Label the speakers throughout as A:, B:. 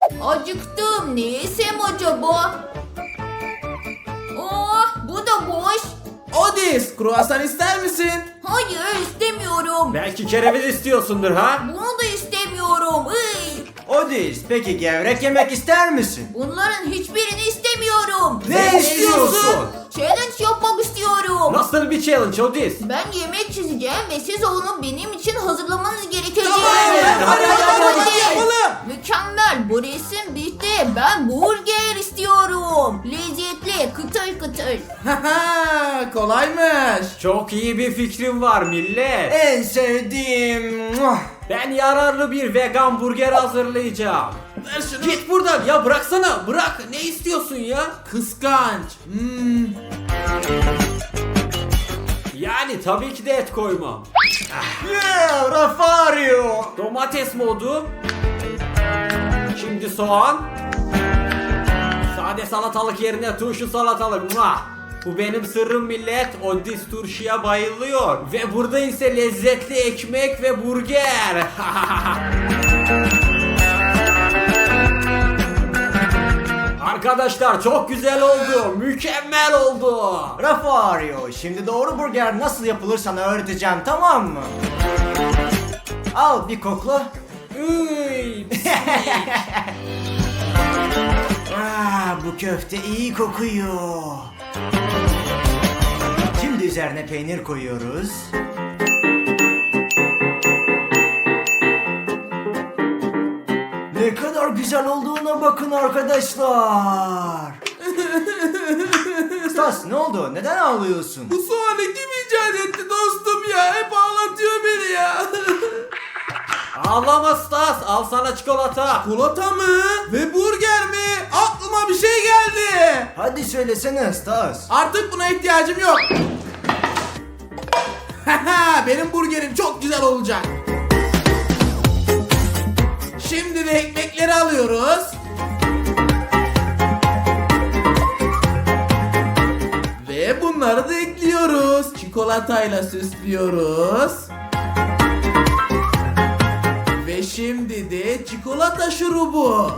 A: Acıktım. Ne yesem acaba? Bu da boş.
B: Odis, kruvasan ister misin?
A: Hayır, istemiyorum.
C: Belki kereviz istiyorsundur ha?
A: Bunu da istemiyorum.
D: Odis, peki gevrek yemek ister misin?
A: Bunların hiçbirini istemiyorum.
D: Ne istiyorsun?
A: Challenge yapmak istiyorum.
C: Nasıl bir challenge Odis?
A: Ben yemek çizeceğim ve siz onu benim için hazırlamanız gerekecek.
B: Hadi yapalım.
A: Mükemmel. Bu resim bitti. Ben burger istiyorum. Lezzetli, kıtır kıtır.
B: Haha, kolaymış.
C: Çok iyi bir fikrim var millet.
D: En sevdiğim...
C: Ben yararlı bir vegan burger hazırlayacağım.
B: Ver şunu.
C: Git buradan ya, bıraksana, bırak. Ne istiyorsun ya?
B: Kıskanç.
C: Yani tabii ki de et koymam.
D: Yeah, Rafario.
C: Domates modu. Şimdi soğan. Sade salatalık yerine turşu salatalık. Muah! Bu benim sırrım millet. Odis turşuya bayılıyor. Ve burada ise lezzetli ekmek ve burger. Arkadaşlar çok güzel oldu. Mükemmel oldu.
D: Rafario, şimdi doğru burger nasıl yapılır sana öğreteceğim, tamam mı? Al bir kokla.
C: Üy,
D: Bu köfte iyi kokuyor. Şimdi üzerine peynir koyuyoruz. Ne kadar güzel olduğuna bakın arkadaşlar. Stas, ne oldu? Neden ağlıyorsun?
B: Bu soğanı kim icat etti dostum ya? Hep ağlatıyor beni ya.
C: Ağlama Stas, al sana çikolata.
B: Çikolata mı? Ve burger mi? Aklıma bir şey geldi.
D: Hadi söylesene Stas.
B: Artık buna ihtiyacım yok. Benim burgerim çok güzel olacak. Şimdi de ekmekleri alıyoruz. Ve bunları da ekliyoruz. Çikolatayla süslüyoruz. Ve şimdi de çikolata şurubu.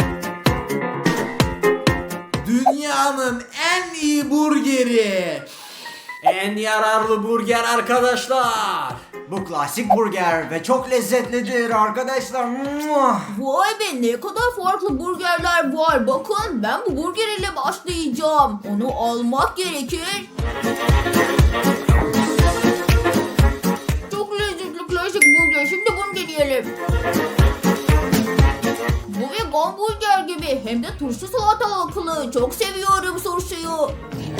B: Dünyanın en iyi burgeri.
C: En yararlı burger arkadaşlar.
D: Bu klasik burger ve çok lezzetlidir arkadaşlar. Muah!
A: Vay be, ne kadar farklı burgerler var. Bakın, ben bu burger ile başlayacağım. Onu almak gerekir. Çok lezzetli klasik burger. Şimdi bunu deneyelim. Bu vegan burger gibi. Hem de turşu salatalıklı. Çok seviyorum turşuyu.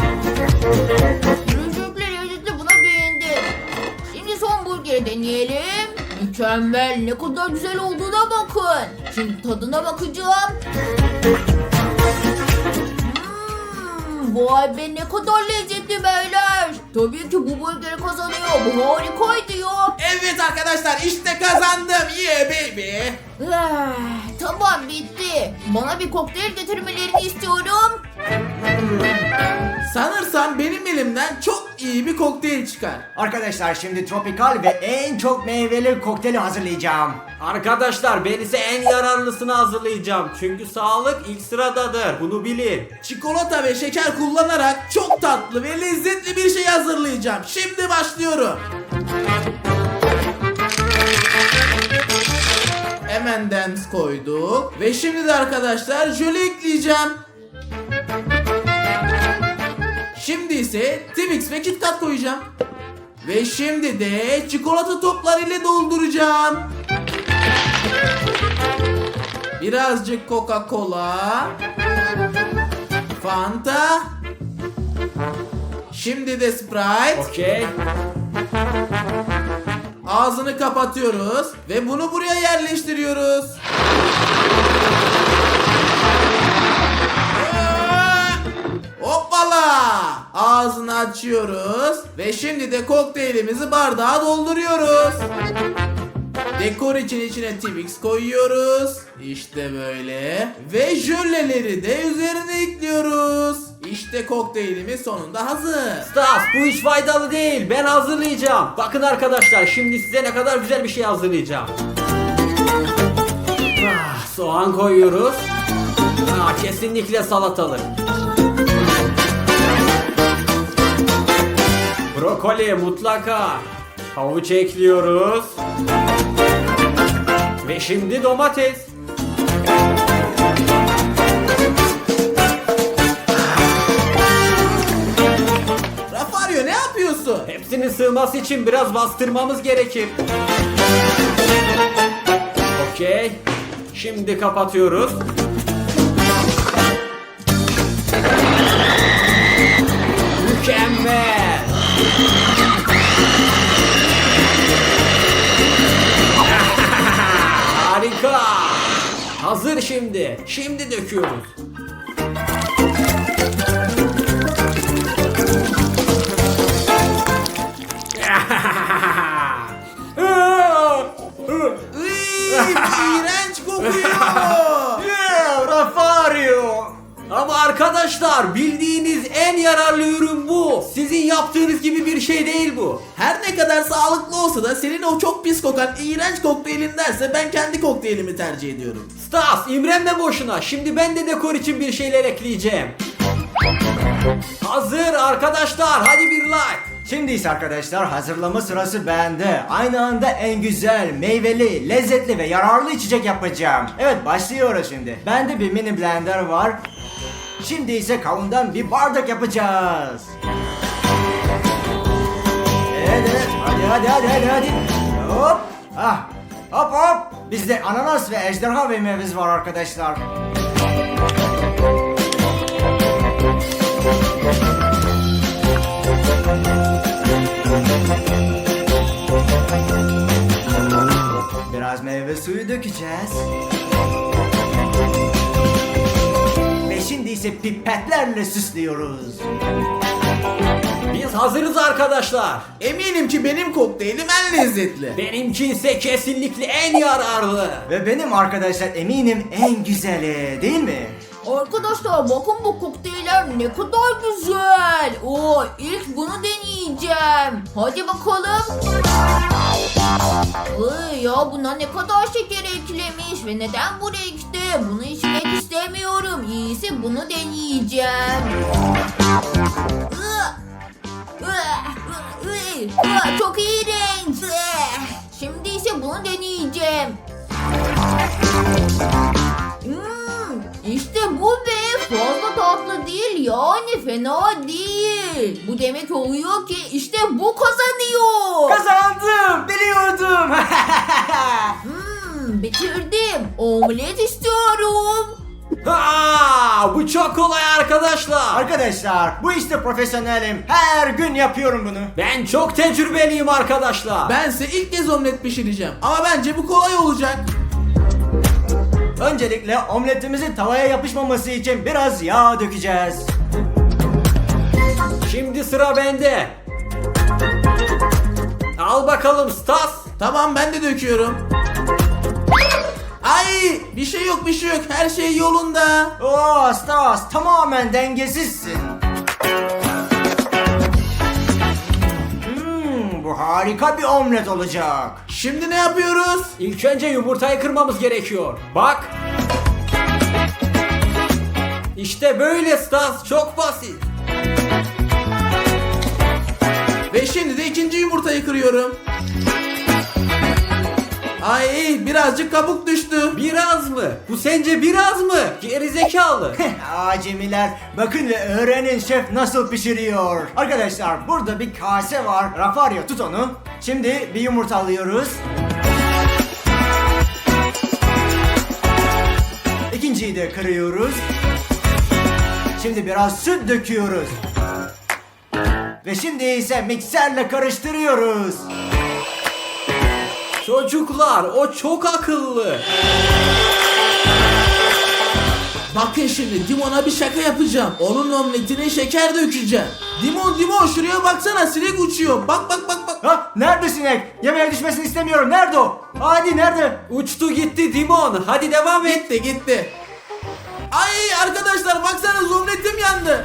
A: Lezzetli, buna beğendim. Şimdi son burgeri deneyelim. Mükemmel, ne kadar güzel olduğuna bakın. Şimdi tadına bakacağım. Vay be, ne kadar lezzetli beyler. Tabii ki bu burger kazanıyor. Bu harikaydı ya.
B: Evet arkadaşlar, işte kazandım. Yeah baby.
A: Tamam, bitti. Bana bir kokteyl getirmelerini istiyorum.
B: Sanırsam benim elimden çok iyi bir kokteyl çıkar.
D: Arkadaşlar şimdi tropikal ve en çok meyveli kokteyli hazırlayacağım.
C: Arkadaşlar ben ise en yararlısını hazırlayacağım. Çünkü sağlık ilk sıradadır. Bunu bilin.
B: Çikolata ve şeker kullanarak çok tatlı ve lezzetli bir şey hazırlayacağım. Şimdi başlıyorum. Hemen dance koyduk. Ve şimdi de arkadaşlar jöle ekleyeceğim. Şimdi ise Twix ve Kit Kat koyacağım. Ve şimdi de çikolata topları ile dolduracağım. Birazcık Coca-Cola, Fanta, şimdi de Sprite.
C: Okey.
B: Ağzını kapatıyoruz ve bunu buraya yerleştiriyoruz. Hoppala! Ağzını açıyoruz ve şimdi de kokteylimizi bardağa dolduruyoruz. Dekor için içine Twix koyuyoruz. İşte böyle. Ve jöleleri de üzerine ekliyoruz. İşte kokteylimiz sonunda hazır.
C: Stas, bu hiç faydalı değil. Ben hazırlayacağım. Bakın arkadaşlar, şimdi size ne kadar güzel bir şey hazırlayacağım. Soğan koyuyoruz. Kesinlikle salatalık. Brokoli mutlaka. Havuç ekliyoruz. Ve şimdi domates.
B: Rafario ne yapıyorsun?
C: Hepsinin sığması için biraz bastırmamız gerekir. Okey. Şimdi kapatıyoruz. Mükemmel. Harika. Hazır şimdi. Şimdi döküyoruz.
B: İğrenç kokuyor.
D: Yeah, Rafario.
C: Ama arkadaşlar bildiğiniz en yararlı ürün bu. Sizin yaptığınız gibi bir şey değil bu.
B: Her ne kadar sağlıklı olsa da senin o çok pis kokan iğrenç kokteylindense ben kendi kokteylimi tercih ediyorum.
C: Stas, imrenme boşuna. Şimdi ben de dekor için bir şeyler ekleyeceğim. Hazır arkadaşlar, hadi bir like.
D: Şimdi ise arkadaşlar hazırlama sırası bende. Aynı anda en güzel, meyveli, lezzetli ve yararlı içecek yapacağım. Evet, başlıyoruz şimdi. Bende bir mini blender var. Şimdi ise kavundan bir bardak yapacağız. Evet, hadi. Hop. Hop. Bizde ananas ve ejderha meyvemiz var arkadaşlar. Biraz meyve suyu dökeceğiz. Ve şimdi ise pipetlerle süslüyoruz.
C: Biz hazırız arkadaşlar.
B: Eminim ki benim kokteylim en lezzetli.
C: Benimki ise kesinlikle en yararlı.
D: Ve benim arkadaşlar eminim en güzeli, değil mi?
A: Arkadaşlar bakın bu kokteyller ne kadar güzel. İlk bunu deneyeceğim. Hadi bakalım. Ya buna ne kadar şeker eklemiş ve neden bu renkte? Bunu içmek istemiyorum. İyisi bunu deneyeceğim. Çok iğrenç. Şimdi ise bunu deneyeceğim. İşte bu be, fazla tatlı değil, yani fena değil. Bu demek oluyor ki işte bu kazanıyor.
D: Kazandım, biliyordum.
A: Bitirdim. Omlet istiyorum.
C: Bu çok kolay arkadaşlar.
D: Arkadaşlar bu işte profesyonelim. Her gün yapıyorum bunu.
C: Ben çok tecrübeliyim arkadaşlar.
B: Bense ilk kez omlet pişireceğim. Ama bence bu kolay olacak.
D: Öncelikle omletimizin tavaya yapışmaması için biraz yağ dökeceğiz.
C: Şimdi sıra bende. Al bakalım Stas.
B: Tamam, ben de döküyorum. Ay, bir şey yok. Her şey yolunda.
D: Oo Stas, tamamen dengesizsin. Bu harika bir omlet olacak.
B: Şimdi ne yapıyoruz?
C: İlk önce yumurtayı kırmamız gerekiyor. Bak. İşte böyle Stas, çok basit.
B: Ve şimdi de ikinci yumurtayı kırıyorum. Ay, birazcık kabuk düştü.
C: Biraz mı? Bu sence biraz mı? Gerizekalı.
D: Acemiler, bakın ve öğrenin şef nasıl pişiriyor. Arkadaşlar burada bir kase var. Rafario, tut onu. Şimdi bir yumurta alıyoruz. İkinciyi de kırıyoruz. Şimdi biraz süt döküyoruz. Ve şimdi ise mikserle karıştırıyoruz.
C: Çocuklar, o çok akıllı.
B: Bakın şimdi Dimon'a bir şaka yapacağım. Onun omletine şeker dökeceğim. Dimon şuraya baksana, sinek uçuyor. Bak.
D: Ha, nerede sinek? Yemeğe düşmesini istemiyorum. Nerede o? Hadi nerede?
C: Uçtu gitti Dimon. Hadi devam et.
B: Gitti. Ay arkadaşlar, baksanız omletim yandı.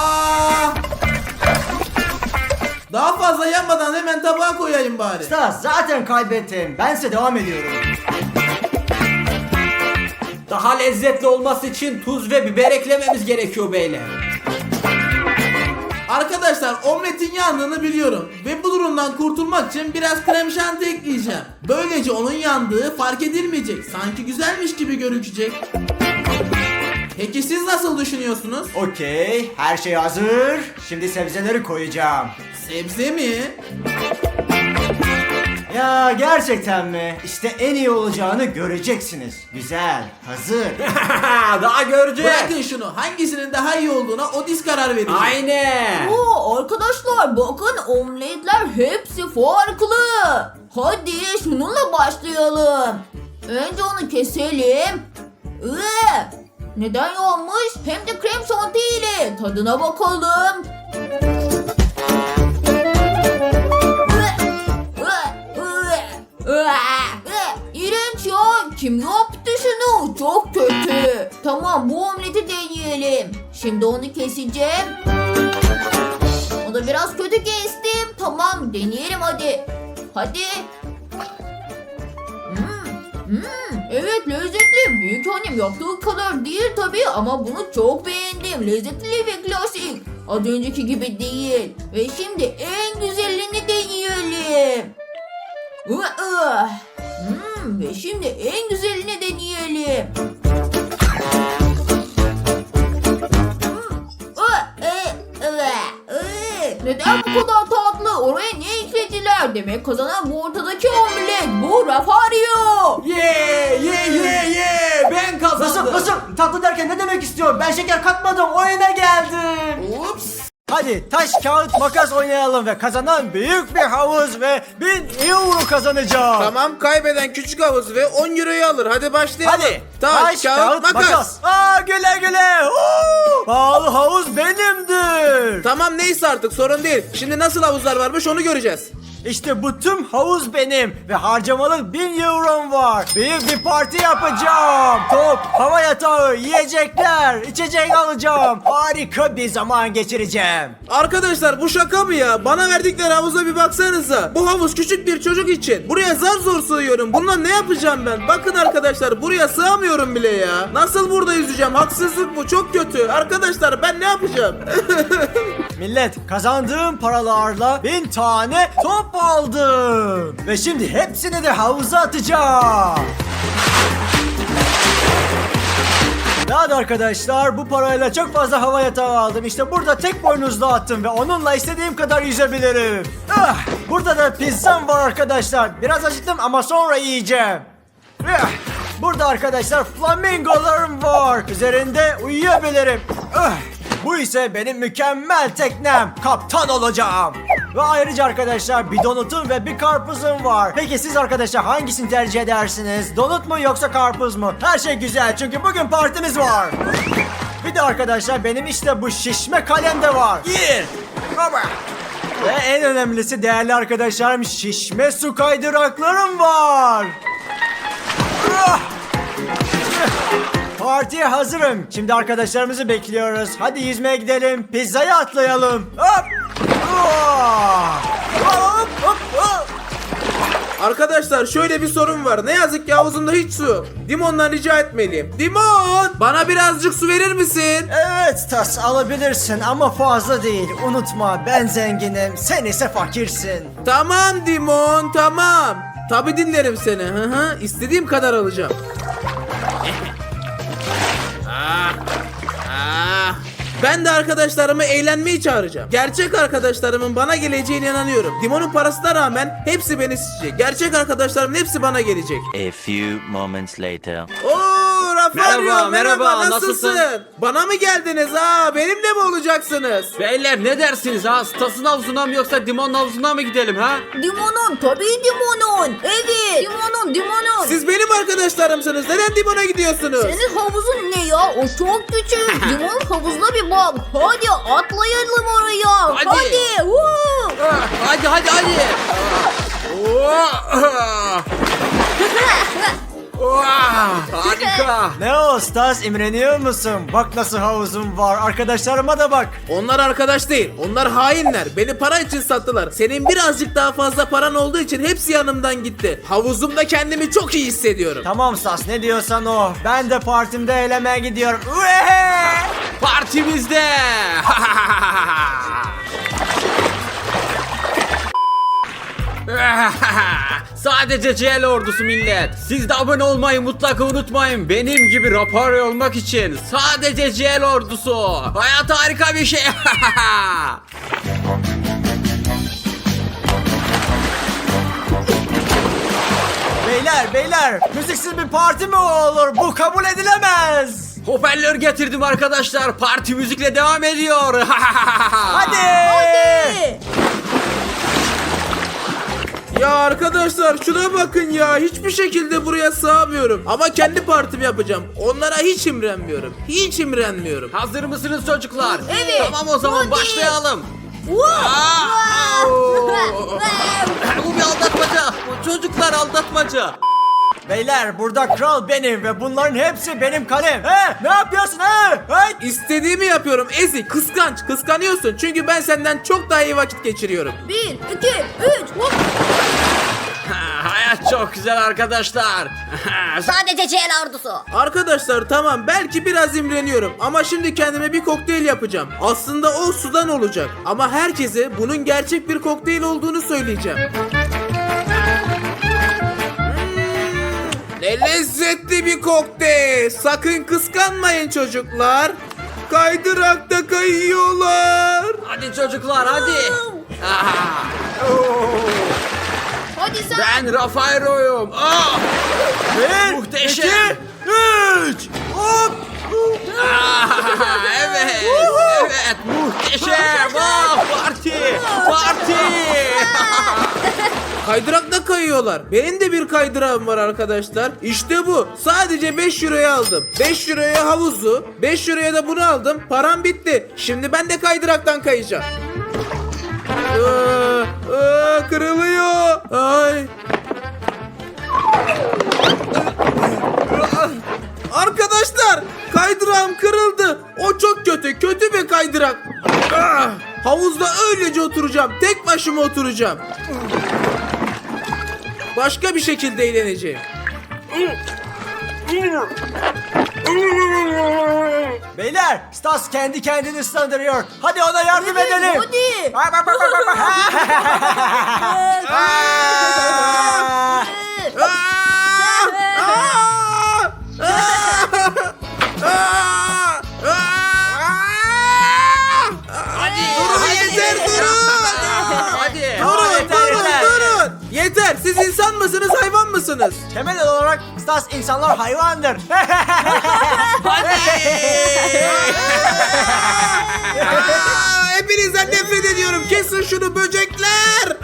B: Daha fazla yanmadan hemen tabağa koyayım bari.
D: Stas, zaten kaybettim. Bense devam ediyorum.
C: Daha lezzetli olması için tuz ve biber eklememiz gerekiyor beyler.
B: Arkadaşlar omletin yandığını biliyorum ve bu durumdan kurtulmak için biraz krem şanti ekleyeceğim. Böylece onun yandığı fark edilmeyecek. Sanki güzelmiş gibi gözükecek. Peki siz nasıl düşünüyorsunuz?
D: Okey, her şey hazır. Şimdi sebzeleri koyacağım.
B: Sebze mi?
D: Ya gerçekten mi? İşte en iyi olacağını göreceksiniz. Güzel, hazır.
C: Daha göreceğiz.
B: Bırakın şunu. Hangisinin daha iyi olduğuna o diz karar verecek.
C: Aynen.
A: Oo, arkadaşlar bakın omletler hepsi farklı. Hadi şununla başlayalım. Önce onu keselim. Neden yanmış? Hem de krem şanti ile. Tadına bakalım. İğrenç ya. Kim yaptı şunu? Çok kötü. Tamam, bu omleti deneyelim. Şimdi onu keseceğim. O da biraz kötü kestim. Tamam, deneyelim hadi. Hadi. Evet, lezzetli. Büyük annem yaptığı kadar değil tabii ama bunu çok beğendim. Lezzetli ve klasik. Az önceki gibi değil. Ve şimdi en güzelini deneyelim. Ve şimdi en güzelini deneyelim. Neden bu kadar tatlı? Oraya ne eklediler? Demek kazanan bu ortadaki omlet. Bu Rafario.
C: Ye. Ben kazandım.
D: Nasıl? Tatlı derken ne demek istiyor? Ben şeker katmadım, oyuna geldim.
B: Ups.
D: Hadi taş, kağıt, makas oynayalım ve kazanan büyük bir havuz ve 1000 euro kazanacak.
B: Tamam, kaybeden küçük havuz ve 10 euroyu alır. Hadi başlayalım.
D: Hadi.
B: Taş, kağıt, makas.
D: Güle güle. Pahalı havuz benimdir.
B: Tamam, neyse artık sorun değil. Şimdi nasıl havuzlar varmış onu göreceğiz.
D: İşte bu tüm havuz benim ve harcamalık 1000 eurom var. Büyük bir parti yapacağım. Top, hava yatağı, yiyecekler, içecek alacağım. Harika bir zaman geçireceğim.
B: Arkadaşlar bu şaka mı ya? Bana verdikleri havuza bir baksanıza. Bu havuz küçük bir çocuk için. Buraya zar zor sığıyorum. Bununla ne yapacağım ben? Bakın arkadaşlar, buraya sığamıyorum bile ya. Nasıl burada yüzeceğim? Haksızlık bu, çok kötü. Arkadaşlar ben ne yapacağım?
D: Millet, kazandığım paralarla 1000 tane top aldım. Ve şimdi hepsini de havuza atacağım. Daha da arkadaşlar, bu parayla çok fazla hava yatağı aldım. İşte burada tek boynuzlu attım ve onunla istediğim kadar yüzebilirim. Burada da pizzam var arkadaşlar. Biraz acıktım ama sonra yiyeceğim. Burada arkadaşlar flamingolarım var. Üzerinde uyuyabilirim. Bu ise benim mükemmel teknem. Kaptan olacağım. Ve ayrıca arkadaşlar bir donutum ve bir karpuzum var. Peki siz arkadaşlar hangisini tercih edersiniz? Donut mu yoksa karpuz mu? Her şey güzel çünkü bugün partimiz var. Bir de arkadaşlar benim işte bu şişme kalem de var. Baba. Ve en önemlisi değerli arkadaşlarım, şişme su kaydıraklarım var. Partiye hazırım. Şimdi arkadaşlarımızı bekliyoruz. Hadi yüzmeye gidelim. Pizzaya atlayalım. Hop! Hop, hop, hop.
B: Arkadaşlar şöyle bir sorun var. Ne yazık ki havuzumda hiç su yok. Dimon'dan rica etmeliyim. Dimon! Bana birazcık su verir misin?
D: Evet Tas, alabilirsin ama fazla değil. Unutma, ben zenginim, sen ise fakirsin.
B: Tamam Dimon, tamam. Tabi dinlerim seni. İstediğim kadar alacağım. Ben de arkadaşlarımı eğlenmeyi çağıracağım. Gerçek arkadaşlarımın bana geleceğine inanıyorum. Dimon'un parasına rağmen hepsi beni isteyecek. Gerçek arkadaşlarımın hepsi bana gelecek.
E: A few moments later.
B: Oo Rafario,
C: Merhaba,
B: nasılsın?
C: nasılsın?
B: Bana mı geldiniz ha? Benimle mi olacaksınız?
C: Beyler ne dersiniz ha? Stas'ın havuzuna mı yoksa Dimon'un havuzuna mı gidelim ha?
A: Dimon'un, tabii Dimon'un. Evet. Dimon'un.
B: Siz benim arkadaşlarımsınız. Neden Dimon'a gidiyorsunuz?
A: Senin havuzun ne ya? O çok küçük. Dimon havuzuna bir bak. Hadi atlayalım oraya.
C: Hadi.
A: Hadi.
C: Hadi. Harika.
D: Ne o Stas, imreniyor musun? Bak nasıl havuzum var. Arkadaşlarıma da bak.
B: Onlar arkadaş değil. Onlar hainler. Beni para için sattılar. Senin birazcık daha fazla paran olduğu için hepsi yanımdan gitti. Havuzumda kendimi çok iyi hissediyorum.
D: Tamam Stas, ne diyorsan o. Ben de partimde eğlenmeye gidiyorum.
C: Partimizde. Sadece CL ordusu millet. Siz de abone olmayı mutlaka unutmayın. Benim gibi rapor olmak için sadece CL ordusu. Hayat harika bir şey.
D: Beyler, müziksiz bir parti mi olur? Bu kabul edilemez.
C: Hoparlör getirdim arkadaşlar. Parti müzikle devam ediyor.
D: Hadi.
B: Ya arkadaşlar şuna bakın ya. Hiçbir şekilde buraya sığamıyorum. Ama kendi partimi yapacağım. Onlara hiç imrenmiyorum. Hiç imrenmiyorum.
C: Hazır mısınız çocuklar?
A: Evet.
C: Tamam o zaman
A: Hadi.
C: başlayalım. Bu bir aldatmaca. Çocuklar aldatmaca.
D: Beyler, burada kral benim ve bunların hepsi benim kalem. Ne yapıyorsun
B: İstediğimi yapıyorum Ezik. Kıskanç. Kıskanıyorsun. Çünkü ben senden çok daha iyi vakit geçiriyorum.
A: 1, 2, 3.
C: Hayat çok güzel arkadaşlar.
A: Sadece CL ordusu.
B: Arkadaşlar tamam belki biraz imreniyorum ama şimdi kendime bir kokteyl yapacağım. Aslında o sudan olacak ama herkese bunun gerçek bir kokteyl olduğunu söyleyeceğim. Ne lezzetli bir kokteyl. Sakın kıskanmayın çocuklar. Kaydırakta kayıyorlar.
C: Hadi çocuklar hadi.
A: Hadi sen.
C: Ben Rafaero'yum. Muhteşem.
D: 2, 3. Hop.
C: Evet. Evet muhteşem. Parti. Parti.
B: Kaydırakta kayıyorlar. Benim de bir kaydırağım var arkadaşlar. İşte bu. Sadece 5 euroya aldım. 5 euroya havuzu, 5 euroya da bunu aldım. Param bitti. Şimdi ben de kaydıraktan kayacağım. Kırılıyor. Ay. Arkadaşlar, kaydırağım kırıldı. O çok kötü. Kötü bir kaydırak. Havuzda öylece oturacağım. Tek başıma oturacağım. Başka bir şekilde eğleneceğim.
D: Beyler, Stas kendi kendini ıslandırıyor. Hadi ona yardım edelim.
A: Hadi.
D: Bak.
B: Yeter,
C: Hadi.
B: durun. Yeter. Siz insan mısınız, hayvan mısınız?
D: Temel olarak Stas, insanlar hayvandır.
B: Hepinizden nefret ediyorum. Kesin şunu böcekler.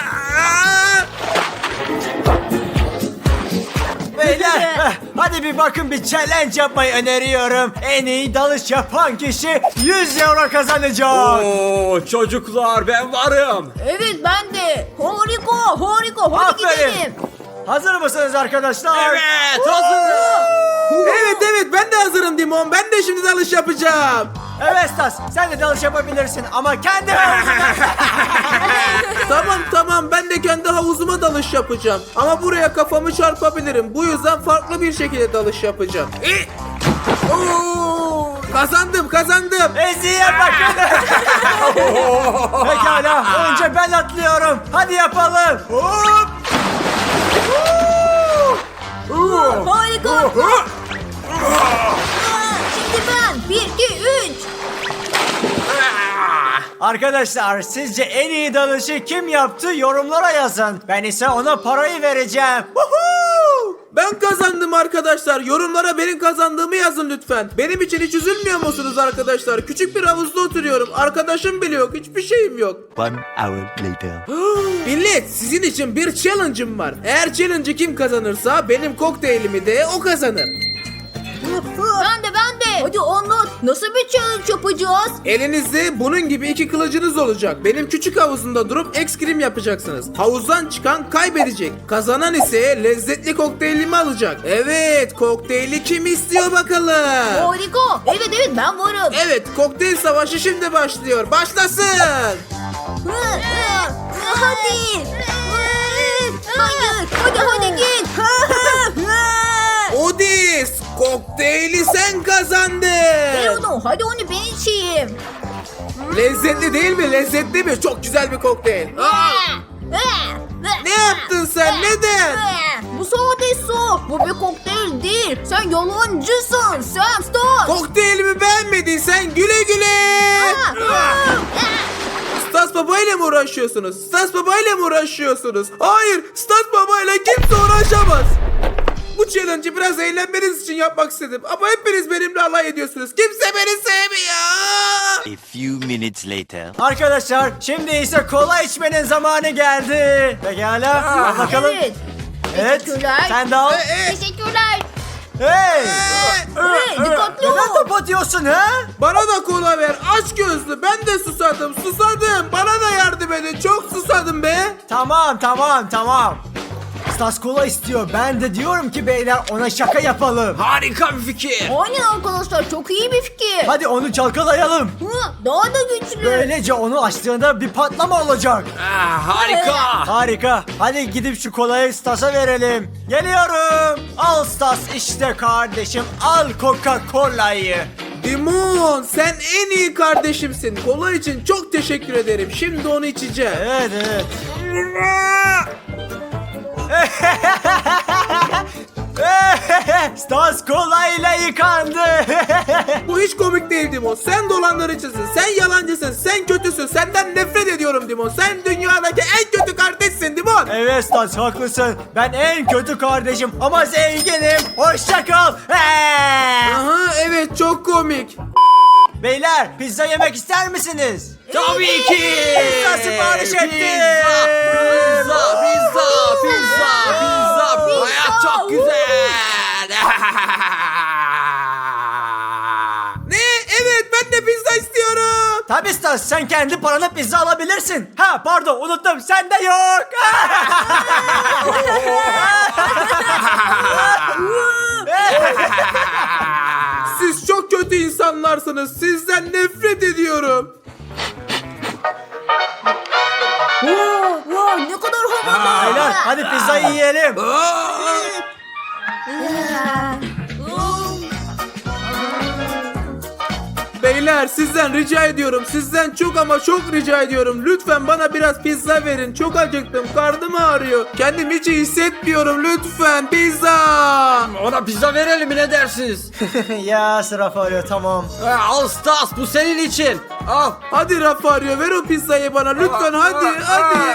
D: Beyler, hadi bir bakın, bir challenge yapmayı öneriyorum. En iyi dalış yapan kişi 100 euro kazanacak.
C: Oo, çocuklar ben varım.
A: Evet ben de. Harika. Hadi
D: Aferin.
A: gidelim.
D: Hazır mısınız arkadaşlar?
C: Evet hazır.
B: Evet ben de hazırım Dimon. Ben de şimdi dalış yapacağım.
D: Evet Stas, sen de dalış yapabilirsin ama kendi havuzuna.
B: Tamam ben de kendi havuzuma dalış yapacağım. Ama buraya kafamı çarpabilirim. Bu yüzden farklı bir şekilde dalış yapacağım. Kazandım.
D: Eziye bakın. Pekala, önce ben atlıyorum. Hadi yapalım. Hop.
A: Harika. Şimdi ben. 1, 2, 3.
D: Arkadaşlar, sizce en iyi dalışı kim yaptı? Yorumlara yazın. Ben ise ona parayı vereceğim. Woohoo!
B: Ben kazandım arkadaşlar. Yorumlara benim kazandığımı yazın lütfen. Benim için hiç üzülmüyor musunuz arkadaşlar? Küçük bir havuzda oturuyorum. Arkadaşım bile yok. Hiçbir şeyim yok.
E: 1 hour later.
B: Millet, sizin için bir challenge'ım var. Eğer challenge'ı kim kazanırsa benim kokteylimi de o kazanır.
A: Ben de. Hadi anlat. Nasıl bir challenge yapacağız?
B: Elinizde bunun gibi iki kılıcınız olacak. Benim küçük havuzumda durup ekskrim yapacaksınız. Havuzdan çıkan kaybedecek. Kazanan ise lezzetli kokteylimi alacak. Evet, kokteyli kim istiyor bakalım?
A: Harika. Evet ben varım.
B: Evet, kokteyl savaşı şimdi başlıyor. Başlasın.
A: Hadi. Hayır. Hadi git.
B: Odis, kokteyli sen kazandın.
A: Hadi onu ben içeyim.
B: Lezzetli değil mi? Lezzetli mi? Çok güzel bir kokteyl. Ne yaptın sen? Neden?
A: Bu sade su. Bu bir kokteyl değil. Sen yalancısın. Sen Stas.
B: Kokteylimi beğenmediysen güle güle. Stas Baba ile mi uğraşıyorsunuz? Stas Baba ile mi uğraşıyorsunuz? Hayır, Stas Baba ile kimse uğraşamaz. Bu challenge'ı biraz eğlenmeniz için yapmak istedim. Ama hepiniz benimle alay ediyorsunuz. Kimse beni sevmiyor.
E: A few minutes later.
D: Arkadaşlar şimdi ise kola içmenin zamanı geldi. Pekala. Al bakalım.
A: Evet.
D: Evet.
A: Teşekkürler.
D: Sen de al.
A: Teşekkürler.
D: Hey.
A: Dikkatli
D: Neden
A: ol.
D: top atıyorsun ha?
B: Bana da kola ver. Aç gözlü. Ben de susadım. Bana da yardım edin. Çok susadım be.
D: Tamam. Stas kola istiyor. Ben de diyorum ki beyler ona şaka yapalım.
C: Harika bir fikir.
A: Aynen arkadaşlar, çok iyi bir fikir.
D: Hadi onu çalkalayalım.
A: Daha da güçlü.
D: Böylece onu açtığında bir patlama olacak.
C: Harika.
D: Harika. Hadi gidip şu kolayı Stas'a verelim. Geliyorum. Al Stas, işte kardeşim. Al Coca-Cola'yı.
B: Dimon, sen en iyi kardeşimsin. Kola için çok teşekkür ederim. Şimdi onu içeceğim.
D: Evet. Stas kolayla yıkandı.
B: Bu hiç komik değil Dimon. Sen dolandırıcısın. Sen yalancısın. Sen kötüsün. Senden nefret ediyorum Dimon. Sen dünyadaki en kötü kardeşsin Dimon.
D: Evet Stas, haklısın. Ben en kötü kardeşim ama zenginim. Hoşça kal.
B: Aha, evet, çok komik.
D: Beyler, pizza yemek ister misiniz?
C: Tabii ki.
D: Pizza sipariş ettim.
C: Pizza. Hayat çok güzel.
B: Ne? Evet, ben de pizza istiyorum.
D: Tabii Stas, sen kendi parana pizza alabilirsin. Ha pardon, unuttum, sende yok.
B: Siz çok kötü insanlarsınız. Sizden nefret ediyorum.
A: Ne kadar havalı.
D: Beyler, hadi pizzayı yiyelim.
B: Beyler, sizden rica ediyorum. Sizden çok ama çok rica ediyorum. Lütfen bana biraz pizza verin. Çok acıktım. Karnım ağrıyor. Kendimi hiç iyi hissetmiyorum. Lütfen pizza.
C: Ona pizza verelim mi, ne dersiniz?
D: Ya sıra arıyor, tamam.
C: Al Stas, bu senin için. Al.
B: Hadi Rafario, ver o pizzayı bana. Lütfen hadi.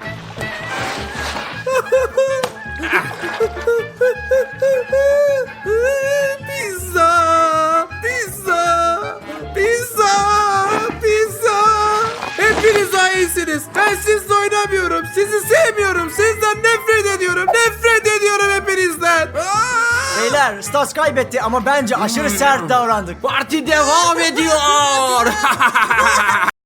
B: Pizza. Hepiniz iyisiniz. Ben sizle oynamıyorum. Sizi sevmiyorum. Sizden nefret ediyorum. Nefret ediyorum hepinizden.
D: Beyler, Stas kaybetti ama bence aşırı sert davrandık.
C: Parti devam ediyor.